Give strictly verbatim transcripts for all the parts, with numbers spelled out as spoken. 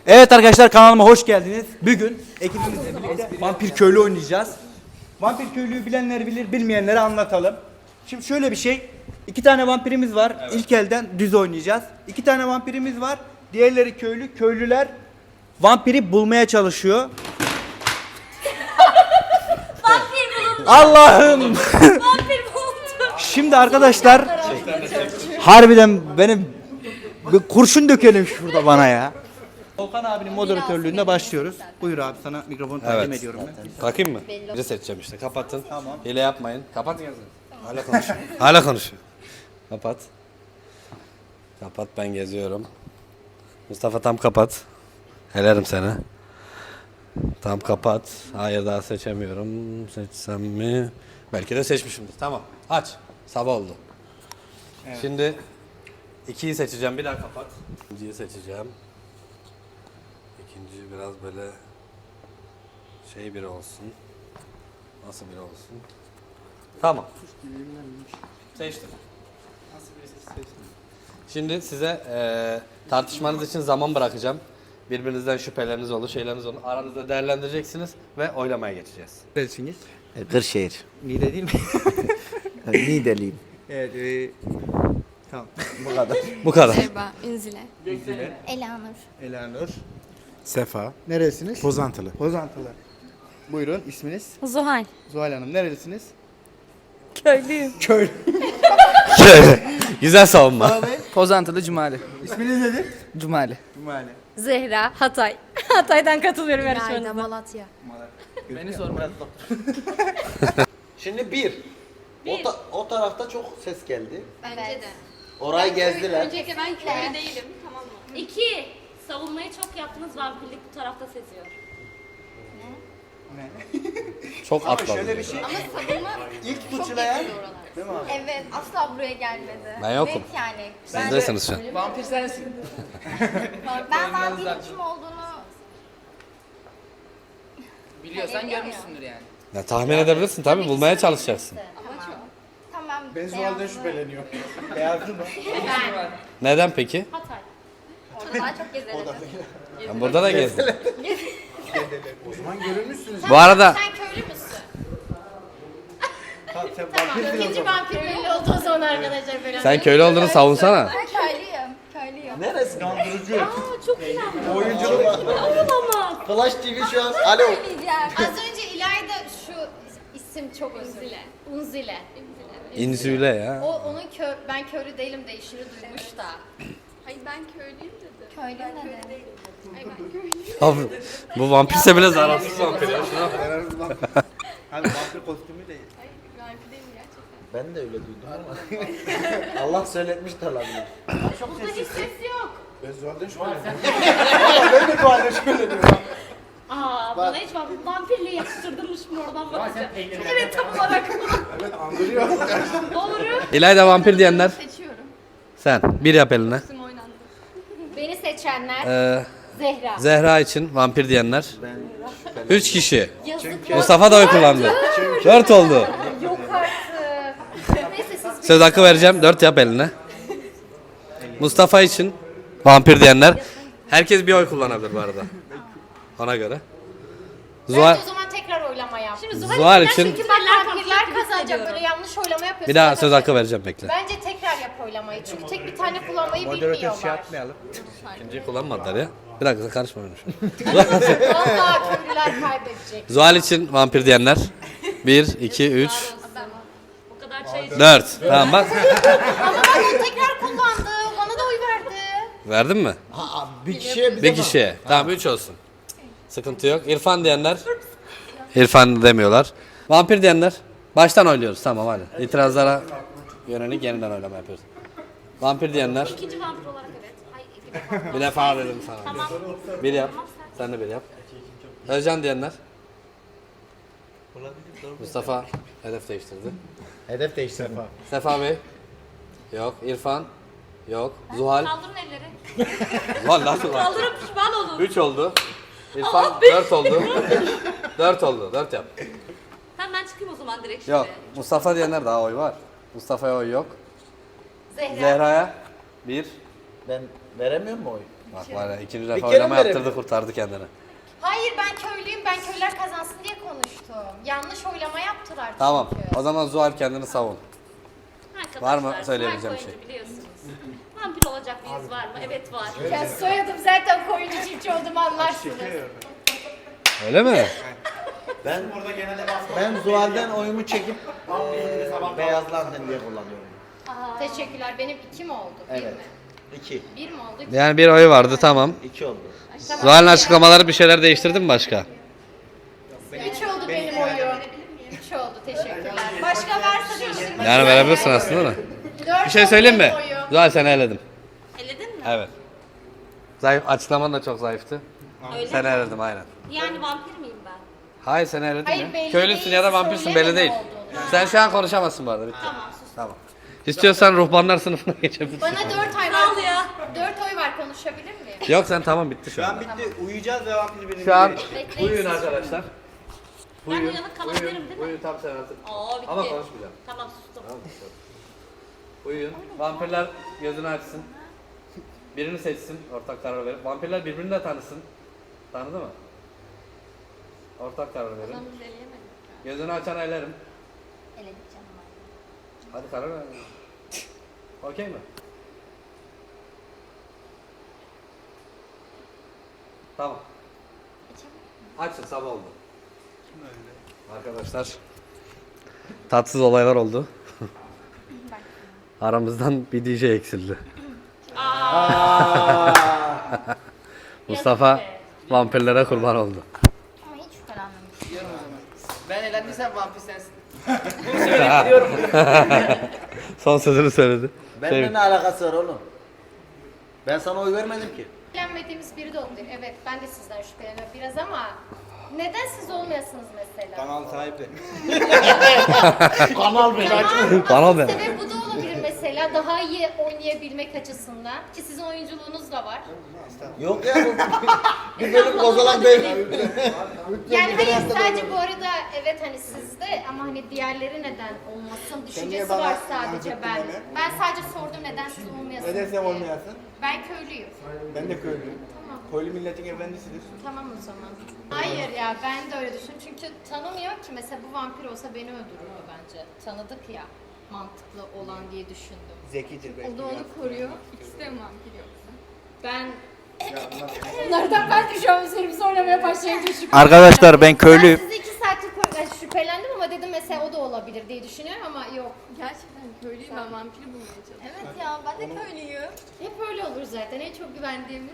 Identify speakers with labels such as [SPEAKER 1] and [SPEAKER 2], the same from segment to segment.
[SPEAKER 1] Evet arkadaşlar, kanalıma hoş geldiniz. Bugün ekibimizle birlikte Vampir Köylü oynayacağız. Vampir Köylü'yü bilenler bilir, bilmeyenlere anlatalım. Şimdi şöyle bir şey. İki tane vampirimiz var. Evet. İlk elden düz oynayacağız. İki tane vampirimiz var. Diğerleri köylü. Köylüler vampiri bulmaya çalışıyor.
[SPEAKER 2] Vampir bulundu.
[SPEAKER 1] Allah'ım.
[SPEAKER 2] Vampir bulundu.
[SPEAKER 1] Şimdi arkadaşlar harbiden benim bir kurşun dökelim şurada bana ya. Volkan abinin moderatörlüğünde başlıyoruz. Buyur abi, sana mikrofonu takdim
[SPEAKER 3] Evet.
[SPEAKER 1] ediyorum ben.
[SPEAKER 3] Bakayım mı? Biri seçeceğim işte. Kapatın.
[SPEAKER 1] Tamam.
[SPEAKER 3] Hile yapmayın. Kapat. Hala konuşuyor. Hala konuşuyor. Kapat. Kapat, ben geziyorum. Mustafa tam kapat. Helerim seni. Tam kapat. Hayır, daha seçemiyorum. Seçsem mi? Belki de seçmişimdir. Tamam. Aç. Sabah oldu.
[SPEAKER 1] Evet.
[SPEAKER 3] Şimdi ikiyi seçeceğim. Bir daha kapat. İkinciyi seçeceğim. İkinci biraz böyle şey biri olsun. Nasıl biri olsun? Tamam. Seçtim. Şimdi size eee tartışmanız için zaman bırakacağım. Birbirinizden şüpheleriniz olur, şeyleriniz olur. Aranızda değerlendireceksiniz ve oylamaya geçeceğiz.
[SPEAKER 1] Neresiniz?
[SPEAKER 4] Kırşehir.
[SPEAKER 1] Niğde değil mi?
[SPEAKER 4] Niğdeliyim.
[SPEAKER 1] Evet. E, tamam.
[SPEAKER 4] Bu kadar.
[SPEAKER 3] Bu kadar.
[SPEAKER 2] Merhaba, Ünzile.
[SPEAKER 1] Güzile,
[SPEAKER 2] Elanur.
[SPEAKER 1] Elanur.
[SPEAKER 5] Sefa.
[SPEAKER 1] Neresiniz?
[SPEAKER 5] Pozantılı.
[SPEAKER 1] Pozantılı. Buyurun, isminiz?
[SPEAKER 2] Zuhal.
[SPEAKER 1] Zuhal Hanım, nerelisiniz?
[SPEAKER 2] Köylüyüm.
[SPEAKER 1] Köylü.
[SPEAKER 3] Güzel savunma.
[SPEAKER 6] Pozantılı Cumali.
[SPEAKER 1] İsminiz nedir?
[SPEAKER 6] Cumali.
[SPEAKER 1] Cumali.
[SPEAKER 2] Zehra, Hatay. Hatay'dan katılıyorum yarışmanıza.
[SPEAKER 7] Malatya.
[SPEAKER 6] Beni sorma.
[SPEAKER 4] Şimdi bir. O, ta- o tarafta çok ses geldi.
[SPEAKER 7] Bence de.
[SPEAKER 4] Orayı gezdiler.
[SPEAKER 7] Öncelikle ben köylü değilim, tamam mı?
[SPEAKER 2] İki. Savunmayı çok yaptınız. Vampirlik bu tarafta seziyor.
[SPEAKER 3] Çok
[SPEAKER 1] Ama
[SPEAKER 3] atladım.
[SPEAKER 1] şöyle bir şey.
[SPEAKER 7] Ama savunma
[SPEAKER 1] İlk
[SPEAKER 7] çok
[SPEAKER 1] fıçılayan,
[SPEAKER 7] yakın oralar.
[SPEAKER 1] değil mi abi?
[SPEAKER 7] Evet, asla buraya gelmedi.
[SPEAKER 3] Ben yokum.
[SPEAKER 7] Net yani.
[SPEAKER 3] Sizdesiniz şu an.
[SPEAKER 6] Vampir sensin.
[SPEAKER 7] Ben vampirin kim olduğunu
[SPEAKER 6] Biliyorsan
[SPEAKER 7] Biliyor
[SPEAKER 6] görmüşsündür yani.
[SPEAKER 3] Ya, tahmin edebilirsin tabii, bulmaya çalışacaksın.
[SPEAKER 7] tamam.
[SPEAKER 1] Ben
[SPEAKER 7] beyazlı.
[SPEAKER 1] Zuhal'den şüpheleniyorum. Beyazlı mı?
[SPEAKER 3] Neden peki?
[SPEAKER 2] Hatay.
[SPEAKER 7] Orada daha çok gezeriz.
[SPEAKER 3] Ben burada da gezdim.
[SPEAKER 1] O zaman görünmüşsünüz.
[SPEAKER 3] Bu arada
[SPEAKER 7] Sen köylü müsün?
[SPEAKER 1] Tamam, sen vampirsin o
[SPEAKER 7] İkinci
[SPEAKER 1] zaman.
[SPEAKER 7] vampir belli oldu o zaman arkadaşlar. Böyle.
[SPEAKER 3] sen köylü olduğunu savunsana.
[SPEAKER 7] Ben köylüyüm. Köylüyüm.
[SPEAKER 4] Neresi?
[SPEAKER 1] Kandırıcı.
[SPEAKER 2] Çok iyi.
[SPEAKER 1] Oyunculuk.
[SPEAKER 2] Olamaz.
[SPEAKER 4] Flash T V şu an. Alo.
[SPEAKER 7] Söyleyeceğim. Az önce İlayda şu isim çok Unzile. Unzile.
[SPEAKER 3] İnzüle ya.
[SPEAKER 7] O onun kö ben köylü değilim deyişini duymuş da.
[SPEAKER 8] Hayır ben köylüyüm dedi.
[SPEAKER 7] Köylü ne dedi?
[SPEAKER 8] Hayır ben köylüyüm.
[SPEAKER 3] Abi, bu vampirse bile zararsız vampir ya.
[SPEAKER 1] Hani vampir kostümü değil.
[SPEAKER 8] Hayır vampir değilim gerçekten.
[SPEAKER 4] Ben de öyle duydum ama. Allah söyletmiş de olabilir.
[SPEAKER 2] Burada hiç ses yok.
[SPEAKER 1] Ben Zuhal'den şüpheleniyorum. Ama ben de Zuhal'den şüpheleniyorum.
[SPEAKER 2] Aa, bana hiç vamp- vampirliği yakıştırdırmış mı oradan bakacağım. Evet, tam olarak.
[SPEAKER 1] Evet, andırıyor.
[SPEAKER 2] Doğru.
[SPEAKER 3] İlayda vampir diyenler
[SPEAKER 8] Seçiyorum.
[SPEAKER 3] sen. Bir yap eline.
[SPEAKER 8] İsim oynandı.
[SPEAKER 7] Beni seçenler
[SPEAKER 3] Ee,
[SPEAKER 7] Zehra.
[SPEAKER 3] Zehra için vampir diyenler. Üç kişi.
[SPEAKER 7] Yazık.
[SPEAKER 3] Mustafa da oy kullandı. Dört oldu.
[SPEAKER 7] Yok artık. Neyse siz
[SPEAKER 3] Söz hakkı vereceğim. Dört yap eline. Mustafa için vampir diyenler. Herkes bir oy kullanabilir bu arada. Ona göre. Zuhal,
[SPEAKER 7] Bence o zaman tekrar oylama yap. Şimdi
[SPEAKER 3] Zuhal için
[SPEAKER 7] Çünkü bak vampirler kazanacak, böyle yanlış oylama yapıyorsun.
[SPEAKER 3] bir daha
[SPEAKER 7] Ya da-
[SPEAKER 3] söz hakkı vereceğim, bekle.
[SPEAKER 7] Bence tekrar yap oylamayı. Çünkü tek bir tane kullanmayı
[SPEAKER 1] Moderatör şey
[SPEAKER 7] bilmiyorlar.
[SPEAKER 1] yapmayalım.
[SPEAKER 3] İkinciyi kullanmadılar ya. Bir dakika, karışma benim şu an.
[SPEAKER 7] Vallahi köylüler kaybedecek.
[SPEAKER 3] Zuhal için vampir diyenler. Bir, iki, üç,
[SPEAKER 2] Bu kadar çay
[SPEAKER 3] dört. Tamam bak.
[SPEAKER 7] Ama bak o tekrar kullandı. Bana da oy verdi.
[SPEAKER 3] Verdin mi?
[SPEAKER 4] Ha, bir kişiye bize
[SPEAKER 3] Bir kişiye. Tamam, üç olsun. Sıkıntı yok. İrfan diyenler. İrfan demiyorlar. Vampir diyenler. Baştan oynuyoruz, tamam hadi. İtirazlara yönelik yeniden oylama yapıyoruz. Vampir diyenler.
[SPEAKER 2] İkinci vampir olarak evet. Ay, iki defa.
[SPEAKER 3] Bir defa dedim sana.
[SPEAKER 2] Tamam.
[SPEAKER 3] Bir yap. Sen de bir yap. Özcan diyenler. Mustafa hedef değiştirdi.
[SPEAKER 4] Hedef değiştirme.
[SPEAKER 3] Sefa Bey. Yok. İrfan. Yok. Zuhal.
[SPEAKER 2] Kaldırın elleri.
[SPEAKER 3] Zuhal lan Zuhal.
[SPEAKER 2] Kaldırın, pişman olun.
[SPEAKER 3] Üç oldu. İrfan dört oldu. Dört oldu. Dört yap.
[SPEAKER 2] Tamam, ben çıkayım o zaman direkt şimdi.
[SPEAKER 3] Yok. Mustafa diyenler daha oy var. Mustafa'ya oy yok.
[SPEAKER 7] Zehra.
[SPEAKER 3] Zehra'ya bir.
[SPEAKER 4] Ben veremiyor mu oy?
[SPEAKER 3] Bak var ya ikinci
[SPEAKER 4] Bir
[SPEAKER 3] defa
[SPEAKER 4] kere
[SPEAKER 3] oylama
[SPEAKER 4] mi
[SPEAKER 3] yaptırdı
[SPEAKER 4] verelim?
[SPEAKER 3] kurtardı kendini.
[SPEAKER 7] Hayır ben köylüyüm, ben köylüler kazansın diye konuştum. Yanlış oylama yaptılar
[SPEAKER 3] Tamam
[SPEAKER 7] çünkü.
[SPEAKER 3] o zaman Zuhal kendini savun.
[SPEAKER 2] Arkadaşlar,
[SPEAKER 3] Var mı söyleyebileceğim
[SPEAKER 2] Mark
[SPEAKER 3] şey?
[SPEAKER 2] oyuncu biliyorsunuz. Vampir olacak mıyız var mı? Evet var.
[SPEAKER 7] Ya soyadım zaten koyuncu çiftçi olduğumu anlarsınız.
[SPEAKER 3] Öyle mi?
[SPEAKER 4] Ben ben Zuhal'den oyumu çekip eee beyazlandın diye kullanıyorum.
[SPEAKER 7] Teşekkürler. Benim iki mi oldu? Bir
[SPEAKER 4] Evet.
[SPEAKER 7] mi?
[SPEAKER 4] İki.
[SPEAKER 7] Bir mi oldu?
[SPEAKER 3] Yani bir oy vardı tamam.
[SPEAKER 4] İki oldu.
[SPEAKER 7] Tamam.
[SPEAKER 3] Zuhal'in açıklamaları bir şeyler değiştirdi mi başka?
[SPEAKER 7] Üç oldu benim oyum. Üç oldu. Teşekkürler. Başka varsa değiştirmek
[SPEAKER 3] Yani verebilirsin aslında da.
[SPEAKER 7] Dört
[SPEAKER 3] Bir şey
[SPEAKER 7] oldu
[SPEAKER 3] söyleyeyim mi?
[SPEAKER 7] benim oyum.
[SPEAKER 3] Zuhal seni eledim.
[SPEAKER 2] Eledin mi?
[SPEAKER 3] Evet. Zayıf, açıklaman da çok zayıftı.
[SPEAKER 2] Öyle
[SPEAKER 3] Seni
[SPEAKER 2] mi?
[SPEAKER 3] eledim aynen.
[SPEAKER 2] Yani vampir miyim ben?
[SPEAKER 3] Hayır seni eledim
[SPEAKER 7] Hayır,
[SPEAKER 3] ya.
[SPEAKER 7] belli
[SPEAKER 3] Köylüsün
[SPEAKER 7] değil,
[SPEAKER 3] ya da vampirsin
[SPEAKER 7] söyleme
[SPEAKER 3] belli
[SPEAKER 7] ne
[SPEAKER 3] değil.
[SPEAKER 7] olduğunu.
[SPEAKER 3] Sen şu an konuşamazsın bu arada bitti.
[SPEAKER 2] Tamam sus.
[SPEAKER 3] Tamam. İstiyorsan ruhbanlar sınıfına geçebilirsin.
[SPEAKER 7] Bana dört ay
[SPEAKER 2] Sağ ol
[SPEAKER 7] var.
[SPEAKER 2] ya.
[SPEAKER 7] Dört oy var. Konuşabilir miyim?
[SPEAKER 3] Yok sen tamam bitti şu
[SPEAKER 1] Şu
[SPEAKER 3] an.
[SPEAKER 1] an bitti. Uyuyacağız ve vampir birini
[SPEAKER 3] Şu an
[SPEAKER 1] belirleyeceğiz.
[SPEAKER 3] uyuyun arkadaşlar.
[SPEAKER 2] Ben uyanık kalabilirim değil mi?
[SPEAKER 3] Uyuyun tam sen artık.
[SPEAKER 2] Oo bitti.
[SPEAKER 3] Ama konuşmayacağım.
[SPEAKER 2] Tamam sustum.
[SPEAKER 3] Tamam mı? Uyuyun. Vampirler gözünü açsın. Birini seçsin. Ortak karar verin. Vampirler birbirini de tanısın. Tanıdı mı? Ortak karar verin.
[SPEAKER 8] Onu biz eleyemedik.
[SPEAKER 3] Gözünü açan elerim.
[SPEAKER 7] Eledik canım.
[SPEAKER 3] Hadi karar ver. Okey mi? Tamam. Açın sabah oldu. Arkadaşlar tatsız olaylar oldu. Aramızdan bir D J eksildi. Mustafa vampirlere kurban oldu.
[SPEAKER 7] Ama hiç şüphelenmemiştim.
[SPEAKER 6] Ben elendiysem vampir sensin.
[SPEAKER 3] Son sözünü söyledi.
[SPEAKER 4] Benimle
[SPEAKER 3] Şey-
[SPEAKER 4] ne alakası var oğlum? Ben sana oy vermedim ki.
[SPEAKER 7] Şüphelenmediğimiz biri de olabilir. Evet ben de sizden şüpheleniyorum biraz ama neden siz olmayasınız mesela?
[SPEAKER 1] Kanal sahibi.
[SPEAKER 4] Kanal beni
[SPEAKER 7] Tamam,
[SPEAKER 3] Bana
[SPEAKER 7] asıl
[SPEAKER 3] be.
[SPEAKER 7] sebep bu da olabilir mesela. Daha iyi oynayabilmek açısından. Ki sizin oyunculuğunuz da var.
[SPEAKER 4] Yok ya bu bir bölüm kozalan değil.
[SPEAKER 7] Yani hayır sadece bu arada evet hani sizde ama hani diğerleri neden olmasın düşüncesi
[SPEAKER 1] bana
[SPEAKER 7] var sadece
[SPEAKER 1] anlattın
[SPEAKER 7] ben.
[SPEAKER 1] öyle.
[SPEAKER 7] Ben sadece sordum neden siz olmayasınız
[SPEAKER 1] Neden sen
[SPEAKER 7] diye.
[SPEAKER 1] olmayasın?
[SPEAKER 7] Ben köylüyüm.
[SPEAKER 1] Ben de köylüyüm. Köylü milletin efendisidir.
[SPEAKER 7] Tamam o zaman. Hayır ya ben de öyle düşünüyorum. Çünkü tanımıyor ki mesela bu vampir olsa beni öldürürdü bence. Tanıdık ya mantıklı olan diye düşündüm.
[SPEAKER 1] Zekidir belki.
[SPEAKER 8] O da onu koruyor. İkisi de mi vampir yoksa?
[SPEAKER 7] Ben Bunlardan ben de şu an üzerimize oynamaya başlayınca şüphe.
[SPEAKER 1] Arkadaşlar ben
[SPEAKER 7] Ben
[SPEAKER 1] köylüyüm.
[SPEAKER 7] sizi iki saattir ko- yani şüphelendim ama dedim mesela o da olabilir diye düşünüyorum ama yok.
[SPEAKER 8] Gerçekten köylüyüm, ben vampiri bulmaya çalışıyorum.
[SPEAKER 7] Evet ya ben de köylüyüm. Hep öyle olur zaten en çok güvendiğimiz.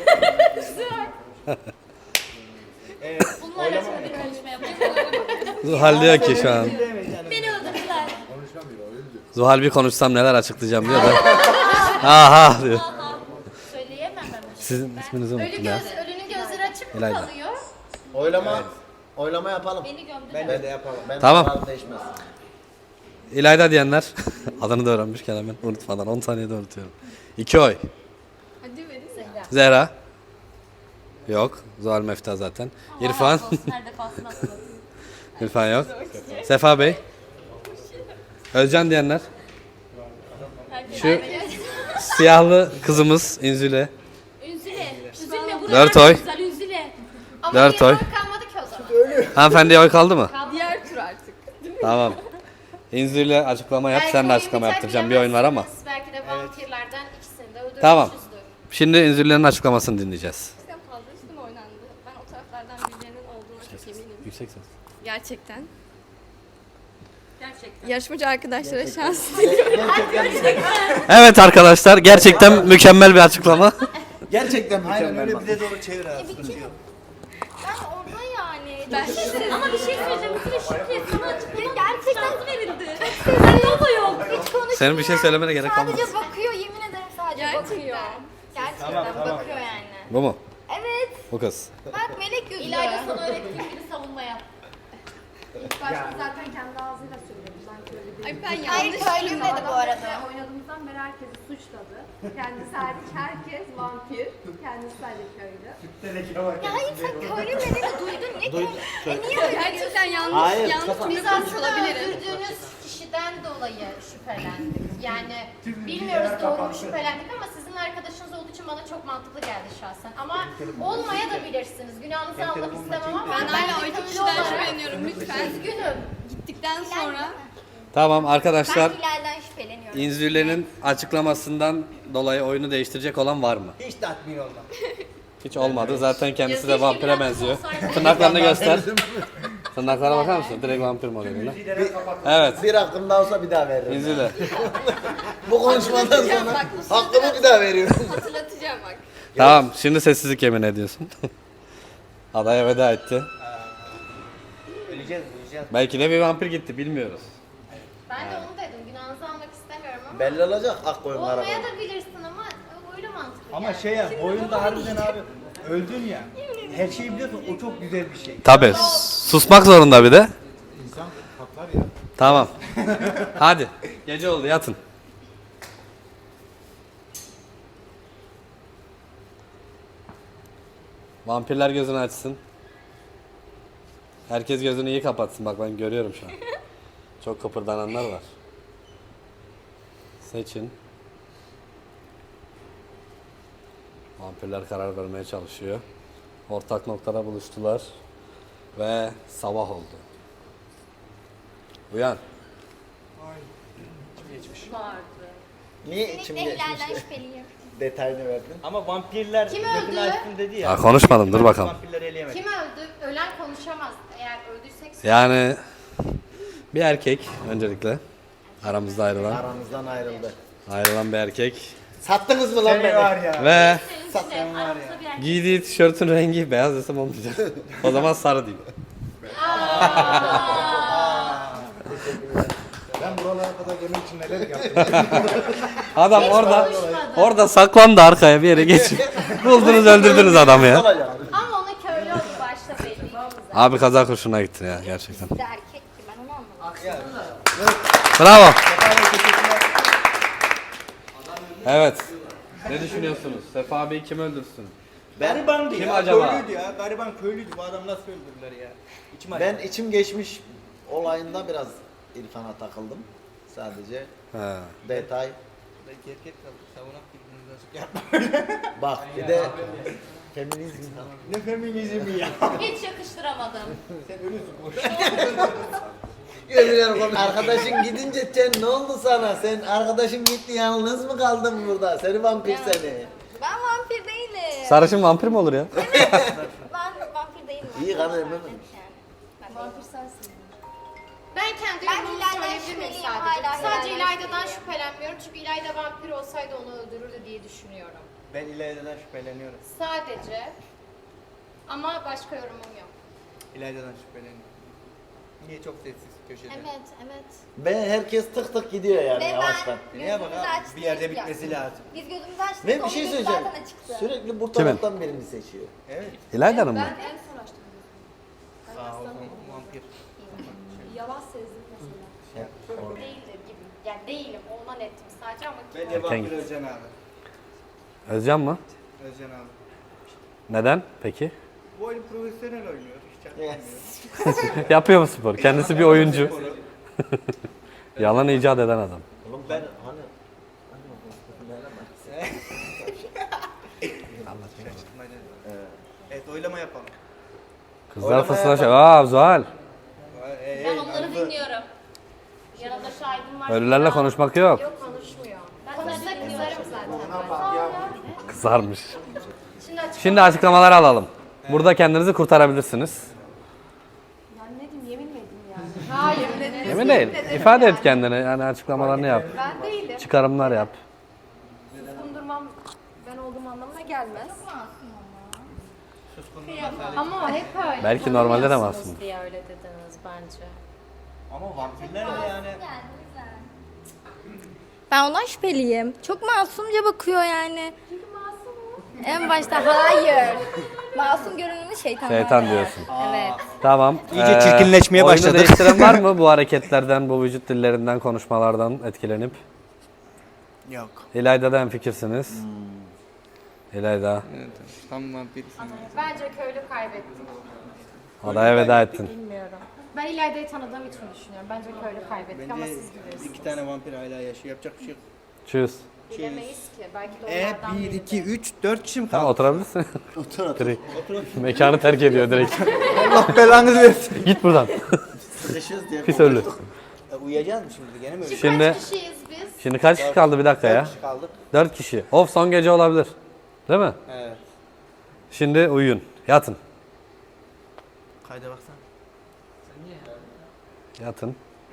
[SPEAKER 1] Evet.
[SPEAKER 2] Bunlarla şöyle bir konuşma yapalım.
[SPEAKER 3] Zuhal diyor ki şu an.
[SPEAKER 2] Beni öldürdüler.
[SPEAKER 3] Zuhal bir konuşsam neler açıklayacağım diyor da. Aha diyor.
[SPEAKER 2] Aha. Söyleyemem ben.
[SPEAKER 3] Sizin isminizi
[SPEAKER 7] Ölü
[SPEAKER 3] unuttum ya.
[SPEAKER 7] göz, ölünün gözleri açık mı
[SPEAKER 3] İlayda.
[SPEAKER 7] kalıyor?
[SPEAKER 4] Oylama oylama yapalım.
[SPEAKER 2] Beni gömdüler.
[SPEAKER 1] Ben de yapalım.
[SPEAKER 4] Ben
[SPEAKER 3] Tamam.
[SPEAKER 4] kararım değişmez.
[SPEAKER 3] İlayda diyenler adını da öğrenmişken hemen unutmadan on saniyede unutuyorum. İki oy.
[SPEAKER 8] Hadi verin.
[SPEAKER 3] Zehra. Yok. Zuhal Mefta zaten. İrfan.
[SPEAKER 2] Her defasında hatırlatın.
[SPEAKER 3] İrfan yok. Sefa Bey. Özcan diyenler. Şu siyahlı kızımız İnzüle.
[SPEAKER 2] Üzüle. Üzülme buraya.
[SPEAKER 3] Dört oy.
[SPEAKER 2] Güzel üzüle.
[SPEAKER 7] Ama
[SPEAKER 3] Dört
[SPEAKER 7] niye
[SPEAKER 3] oy.
[SPEAKER 7] oy kalmadı ki o zaman?
[SPEAKER 3] Hanımefendiye oy kaldı mı?
[SPEAKER 8] Diğer tur artık.
[SPEAKER 3] Tamam. İnzüle açıklama yap.
[SPEAKER 7] Belki
[SPEAKER 3] Sen de
[SPEAKER 7] oyun
[SPEAKER 3] açıklama
[SPEAKER 7] biter
[SPEAKER 3] yaptıracağım. Bir oyun var ama.
[SPEAKER 7] bilemezsiniz. Belki de vampirlerden ikisini de öldürmüşüzdür.
[SPEAKER 3] Tamam. Şimdi İnzüle'nin açıklamasını dinleyeceğiz.
[SPEAKER 8] Sen fazla üstüme oynandı. Ben o taraflardan birilerinin olduğuna çok eminim.
[SPEAKER 3] Yüksek ses.
[SPEAKER 8] Gerçekten.
[SPEAKER 2] Gerçekten.
[SPEAKER 8] Yarışmacı arkadaşlara şans
[SPEAKER 3] Evet arkadaşlar gerçekten mükemmel bir açıklama.
[SPEAKER 4] Gerçekten
[SPEAKER 1] Aynen
[SPEAKER 4] mükemmel
[SPEAKER 1] öyle
[SPEAKER 4] bak.
[SPEAKER 1] bize doğru çevir abi. Sıkıntı yok.
[SPEAKER 7] Ben orada yani.
[SPEAKER 8] Ben
[SPEAKER 2] Ama bir şey söyleyeceğim. Üzüle Şükrü sana açıklama.
[SPEAKER 7] Gerçekten
[SPEAKER 2] Şans verildi. Sen da yok.
[SPEAKER 7] hiç konuşmuyor.
[SPEAKER 3] Senin bir şey söylemene gerek kalmaz.
[SPEAKER 7] Sadece bakıyor yemin ederim sadece
[SPEAKER 8] Gerçekten.
[SPEAKER 7] bakıyor. Gerçekten
[SPEAKER 1] Tamam, tamam.
[SPEAKER 7] bakıyor yani.
[SPEAKER 3] Bu mu?
[SPEAKER 7] Evet.
[SPEAKER 3] Bu kız.
[SPEAKER 7] Bak melek gözü.
[SPEAKER 2] İlayda sana öğrettiğim gibi savunma yap.
[SPEAKER 7] İlk başta zaten kendi ağzıyla söyledi. Ben köylü değilim.
[SPEAKER 8] Ay ben
[SPEAKER 7] Hayır
[SPEAKER 8] yanlış
[SPEAKER 7] köylüyüm dedi bu arada.
[SPEAKER 5] Oynadığımızdan beri herkesi suçladı. Kendisi hariç herkes vampir. Kendisi sadece köylü.
[SPEAKER 7] Ya hayır sen köylüyüm dediğini duydun. Ne
[SPEAKER 4] Duydum.
[SPEAKER 7] E niye öyle
[SPEAKER 8] Gerçekten yanlış,
[SPEAKER 4] Hayır,
[SPEAKER 8] yanlış
[SPEAKER 4] kafa-
[SPEAKER 8] cümle
[SPEAKER 7] Biz
[SPEAKER 8] kurmuş
[SPEAKER 7] aslında
[SPEAKER 8] olabilirim.
[SPEAKER 7] öldürdüğünüz kişiden dolayı şüphelendik. Yani bilmiyoruz doğru mu şüphelendik ama sizin arkadaşınız olduğu için bana çok mantıklı geldi şahsen. Ama olmaya da bilirsiniz. Günahınızı almak istemem ama
[SPEAKER 8] Ben hala o iki
[SPEAKER 7] köylü
[SPEAKER 8] kişiden
[SPEAKER 7] olarak
[SPEAKER 8] şüpheleniyorum lütfen.
[SPEAKER 7] üzgünüm.
[SPEAKER 8] Gittikten sonra
[SPEAKER 3] Tamam arkadaşlar.
[SPEAKER 5] Ben Hilal'den şüpheleniyorum.
[SPEAKER 3] İnzürlerin açıklamasından dolayı oyunu değiştirecek olan var mı?
[SPEAKER 1] Hiç tatmin olmam.
[SPEAKER 3] Hiç olmadı. Zaten kendisi de
[SPEAKER 7] Keşke
[SPEAKER 3] vampire
[SPEAKER 7] biraz
[SPEAKER 3] benziyor.
[SPEAKER 7] olsaydı.
[SPEAKER 3] Tırnaklarını göster. Tırnaklara bakar mısın? Direkt vampir modelinde. Evet.
[SPEAKER 4] Bir hakkımda olsa bir daha veririm.
[SPEAKER 3] İnzüle.
[SPEAKER 4] Bu konuşmadan sonra hakkımı bir daha veriyorum.
[SPEAKER 8] hatırlatacağım bak.
[SPEAKER 3] Tamam. Şimdi sessizlik yemin ediyorsun. Adaya veda etti.
[SPEAKER 1] Öleceğiz, öleceğiz.
[SPEAKER 3] Belki de bir vampir gitti. Bilmiyoruz.
[SPEAKER 7] Ben de onu dedim. Günahınızı almak istemiyorum ama
[SPEAKER 4] Belli olacak ak koyun kara
[SPEAKER 7] olmaya
[SPEAKER 4] koyun.
[SPEAKER 7] da bilirsin ama öyle mantıklı
[SPEAKER 1] Ama
[SPEAKER 7] yani.
[SPEAKER 1] şey ya, oyunda harbiden abi öldün ya. Her şeyi biliyorsun, o çok güzel bir şey.
[SPEAKER 3] Tabii. Susmak zorunda bir de. İnsan patlar ya. Tamam. Hadi. Gece oldu yatın. Vampirler gözünü açsın. Herkes gözünü iyi kapatsın. Bak ben görüyorum şu an. Çok kıpırdananlar var. Seçin. Vampirler karar vermeye çalışıyor. Ortak noktada buluştular. Ve sabah oldu. Uyan.
[SPEAKER 4] Niye içim
[SPEAKER 5] Kesinlikle
[SPEAKER 4] geçmiş?
[SPEAKER 5] Hilal'den şüpheliyim.
[SPEAKER 4] Detayını verdin.
[SPEAKER 1] Ama vampirler
[SPEAKER 7] Kim
[SPEAKER 1] gözünü
[SPEAKER 7] öldü?
[SPEAKER 1] açsın dedi ya.
[SPEAKER 3] Ya konuşmadım, dur bakalım.
[SPEAKER 1] Vampirleri eleyemedik.
[SPEAKER 7] Kim öldü? Ölen konuşamaz. Eğer öldüysek
[SPEAKER 3] Yani bir erkek öncelikle aramızda ayrılan
[SPEAKER 4] Aramızdan ayrıldı.
[SPEAKER 3] ayrılan bir erkek
[SPEAKER 4] Sattınız mı lan
[SPEAKER 1] Seni
[SPEAKER 4] beni?
[SPEAKER 1] var ya.
[SPEAKER 3] ve
[SPEAKER 1] Sen var ya.
[SPEAKER 7] aramızda bir erkek.
[SPEAKER 3] giydiği tişörtün rengi beyaz desem olmayacak. O zaman sarı diyeyim.
[SPEAKER 1] Ben buralara kadar gelmek için neler yaptım.
[SPEAKER 3] Adam
[SPEAKER 7] Hiç
[SPEAKER 3] orada
[SPEAKER 7] konuşmadı.
[SPEAKER 3] orada saklandı arkaya bir yere geçip buldunuz öldürdünüz adamı ya.
[SPEAKER 4] Olacak.
[SPEAKER 7] Ama onu köylü oldu başta belliydi zaten.
[SPEAKER 3] Abi kaza kurşuna gitti ya gerçekten.
[SPEAKER 5] Bir de erkekti ben onu anlamadım.
[SPEAKER 3] Bravo. Evet. Ne düşünüyorsunuz? Sefa abi kim öldürsün?
[SPEAKER 1] Garibandı
[SPEAKER 3] Kim
[SPEAKER 1] ya.
[SPEAKER 3] acaba?
[SPEAKER 1] Köylüydü ya. Gariban köylüydü. Bu adam nasıl öldürdüler ya? İçim acıdı.
[SPEAKER 4] Ben içim geçmiş olayında biraz İrfan'a takıldım. Sadece
[SPEAKER 3] He.
[SPEAKER 4] detay.
[SPEAKER 1] Belki erkek kaldı. Savunak birbirinizi açık yapma.
[SPEAKER 4] Bak bir de feminizm.
[SPEAKER 1] Ne feminizmi ya.
[SPEAKER 7] Hiç yakıştıramadım.
[SPEAKER 1] Sen ölüsün boş.
[SPEAKER 4] Yemin arkadaşın gidince sen ne oldu sana? Sen arkadaşın gitti yalnız mı kaldın burada? Seni vampir seni.
[SPEAKER 5] Ben vampir değilim.
[SPEAKER 3] Sarışın vampir mi olur ya?
[SPEAKER 5] Ben vampir değilim.
[SPEAKER 4] İyi kanı emin
[SPEAKER 5] Yani.
[SPEAKER 4] miyim?
[SPEAKER 5] Ben vampir sensin.
[SPEAKER 7] Ben kendi
[SPEAKER 5] Ben
[SPEAKER 7] yorumumu
[SPEAKER 5] İlayda'dan
[SPEAKER 7] söyleyebilir miyim
[SPEAKER 5] şüpheliyim,
[SPEAKER 7] sadece?
[SPEAKER 5] hala
[SPEAKER 7] Sadece
[SPEAKER 5] İlayda'dan
[SPEAKER 7] İlayda'dan
[SPEAKER 5] şüpheliyim.
[SPEAKER 7] şüphelenmiyorum çünkü İlayda vampir olsaydı onu öldürürdü diye düşünüyorum.
[SPEAKER 1] Ben İlayda'dan şüpheleniyorum.
[SPEAKER 7] Sadece. Ama başka yorumum yok.
[SPEAKER 1] İlayda'dan şüpheleniyorum. Niye çok sessiz köşede?
[SPEAKER 5] Evet, evet.
[SPEAKER 4] Ben herkes tık tık gidiyor yani
[SPEAKER 5] Ve
[SPEAKER 4] yavaştan.
[SPEAKER 5] ben
[SPEAKER 1] Neye bak
[SPEAKER 5] gözümüzü
[SPEAKER 1] abi?
[SPEAKER 5] açtık.
[SPEAKER 1] Bir yerde
[SPEAKER 5] ya.
[SPEAKER 1] bitmesi lazım.
[SPEAKER 5] Biz gözümüzü açtık.
[SPEAKER 4] Ve bir
[SPEAKER 5] onun
[SPEAKER 4] şey
[SPEAKER 5] gözü
[SPEAKER 4] söyleyeceğim.
[SPEAKER 5] zaten açıktı.
[SPEAKER 4] Sürekli bu
[SPEAKER 3] Kimin?
[SPEAKER 4] taraftan birini seçiyor.
[SPEAKER 1] Evet.
[SPEAKER 3] İlayda'nın mı?
[SPEAKER 5] en son açtım.
[SPEAKER 1] Aa o zaman vampir.
[SPEAKER 5] Yalan sezdim mesela.
[SPEAKER 7] Değildir gibi. Yani değilim. Ondan ettim sadece ama kim
[SPEAKER 1] Bence vampir
[SPEAKER 3] Erken-
[SPEAKER 1] Özcan abi.
[SPEAKER 3] Özcan mı?
[SPEAKER 1] Özcan abi.
[SPEAKER 3] Neden peki?
[SPEAKER 1] Bu oyun profesyonel oynuyor. Hiç
[SPEAKER 4] Yes.
[SPEAKER 1] çaktırmıyor.
[SPEAKER 3] Yapıyor mu spor? Kendisi bir oyuncu. Yalan icat eden adam.
[SPEAKER 4] Oğlum
[SPEAKER 1] Ben-
[SPEAKER 4] ben hani
[SPEAKER 1] Şaşırtmaydı. Evet oylama yapalım.
[SPEAKER 3] Kızlar
[SPEAKER 4] Oynamaya
[SPEAKER 3] fısıldaşıyor.
[SPEAKER 4] bak.
[SPEAKER 3] Aa Zuhal.
[SPEAKER 1] Ee,
[SPEAKER 7] Ben onları dinliyorum. Yanımda şahidim var.
[SPEAKER 3] Ölülerle konuşmak yok.
[SPEAKER 7] Yok konuşmuyor. Ben konuşsa kızarım zaten. ben.
[SPEAKER 3] Kızarmış.
[SPEAKER 7] Şimdi açık.
[SPEAKER 3] Şimdi açıklamaları alalım. Burada kendinizi kurtarabilirsiniz.
[SPEAKER 5] Ben ne diyeyim yemin mi edeyim yani?
[SPEAKER 7] Hayır. ne-
[SPEAKER 3] Emin değil. İfade et kendini. Yani açıklamalarını yap.
[SPEAKER 5] Ben değilim.
[SPEAKER 3] Çıkarımlar yap.
[SPEAKER 5] Kundurmam ben olduğum anlamına gelmez.
[SPEAKER 7] Ama hep öyle.
[SPEAKER 3] Belki normalde de
[SPEAKER 7] Tanımıyorsunuz
[SPEAKER 3] masum.
[SPEAKER 7] diye öyle dediniz bence.
[SPEAKER 1] Ama vampirler de yani.
[SPEAKER 8] Ben ondan şüpheliyim. Çok masumca bakıyor yani. Çünkü masum En başta hayır. Masum görünümlü şeytan.
[SPEAKER 3] Şeytan
[SPEAKER 8] var.
[SPEAKER 3] diyorsun.
[SPEAKER 8] Evet.
[SPEAKER 3] Tamam.
[SPEAKER 1] İyice çirkinleşmeye
[SPEAKER 3] oyunu
[SPEAKER 1] başladık.
[SPEAKER 3] değiştiren var mı bu hareketlerden, bu vücut dillerinden, konuşmalardan etkilenip?
[SPEAKER 1] Yok.
[SPEAKER 3] İlayda'dan fikirsiniz. İlayda.
[SPEAKER 1] Evet, tam vampirsin.
[SPEAKER 7] Bence köylü kaybetti.
[SPEAKER 3] Adaya veda ettin.
[SPEAKER 7] Bilmiyorum. Ben İlayda'yı tanıdığım için düşünüyorum. Bence köylü kaybettik ama
[SPEAKER 1] Bence
[SPEAKER 7] siz bilirsiniz.
[SPEAKER 1] iki tane vampir hala yaşıyor. Yapacak bir şey yok.
[SPEAKER 3] Tschüss.
[SPEAKER 5] Bilemeyiz ki. Belki de
[SPEAKER 1] E
[SPEAKER 5] onlardan
[SPEAKER 1] bir,
[SPEAKER 5] biridir.
[SPEAKER 1] iki, üç, dört kişi mi
[SPEAKER 3] Tamam
[SPEAKER 1] kaldı?
[SPEAKER 3] oturabilirsin.
[SPEAKER 4] Otur otur.
[SPEAKER 3] Direkt. Mekanı terk ediyor direkt.
[SPEAKER 1] Allah belanızı versin.
[SPEAKER 3] Git buradan.
[SPEAKER 4] Sıkışırız diye.
[SPEAKER 3] Pis ölü.
[SPEAKER 1] E, uyuyacağız mı şimdi? Gene mi öyle?
[SPEAKER 3] Şimdi
[SPEAKER 7] Kaç kişiyiz biz?
[SPEAKER 3] şimdi kaç kişi kaldı bir dakika ya?
[SPEAKER 1] Dört kişi kaldık.
[SPEAKER 3] Dört kişi. Of son gece olabilir. Değil mi?
[SPEAKER 1] Evet.
[SPEAKER 3] Şimdi uyuyun. Yatın.
[SPEAKER 1] Kayda baksana.
[SPEAKER 3] Yatın.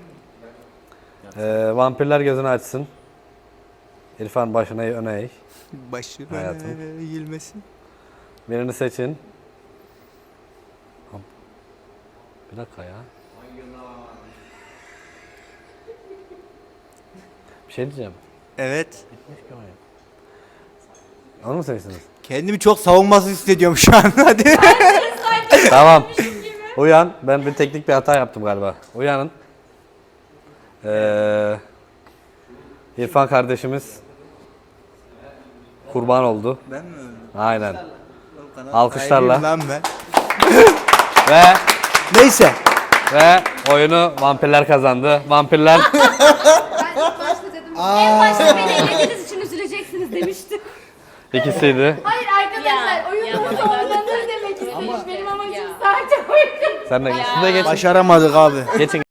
[SPEAKER 3] Ee, vampirler gözünü açsın. İrfan başına öne eğ.
[SPEAKER 1] Başı
[SPEAKER 3] Hayatım.
[SPEAKER 1] eğilmesin.
[SPEAKER 3] Birini seçin. Bir dakika ya. Bir şey diyeceğim.
[SPEAKER 1] Evet.
[SPEAKER 3] Onu mu seçtiniz?
[SPEAKER 1] Kendimi çok savunmasız hissediyorum şu an. Hadi.
[SPEAKER 3] Tamam. Uyan. Ben bir teknik bir hata yaptım galiba. Uyanın. Ee, İrfan kardeşimiz kurban oldu.
[SPEAKER 1] Ben mi öldüm?
[SPEAKER 3] Aynen. Alkışlarla.
[SPEAKER 1] Sahibiyim lan ben.
[SPEAKER 3] Ve
[SPEAKER 1] Neyse.
[SPEAKER 3] ve oyunu vampirler kazandı. Vampirler
[SPEAKER 5] Ben ilk başta dedim.
[SPEAKER 2] En başta beni elediğiniz için üzüleceksiniz demiştim.
[SPEAKER 3] ikisiydi.
[SPEAKER 5] Hayır arkadaşlar oyun
[SPEAKER 2] ya,
[SPEAKER 5] burada
[SPEAKER 2] ya.
[SPEAKER 5] oynanır demek istemiş. Benim amacım
[SPEAKER 2] Ya.
[SPEAKER 5] sadece oyun.
[SPEAKER 3] Sen de siz de geçin.
[SPEAKER 1] Başaramadık abi.
[SPEAKER 3] Geçin.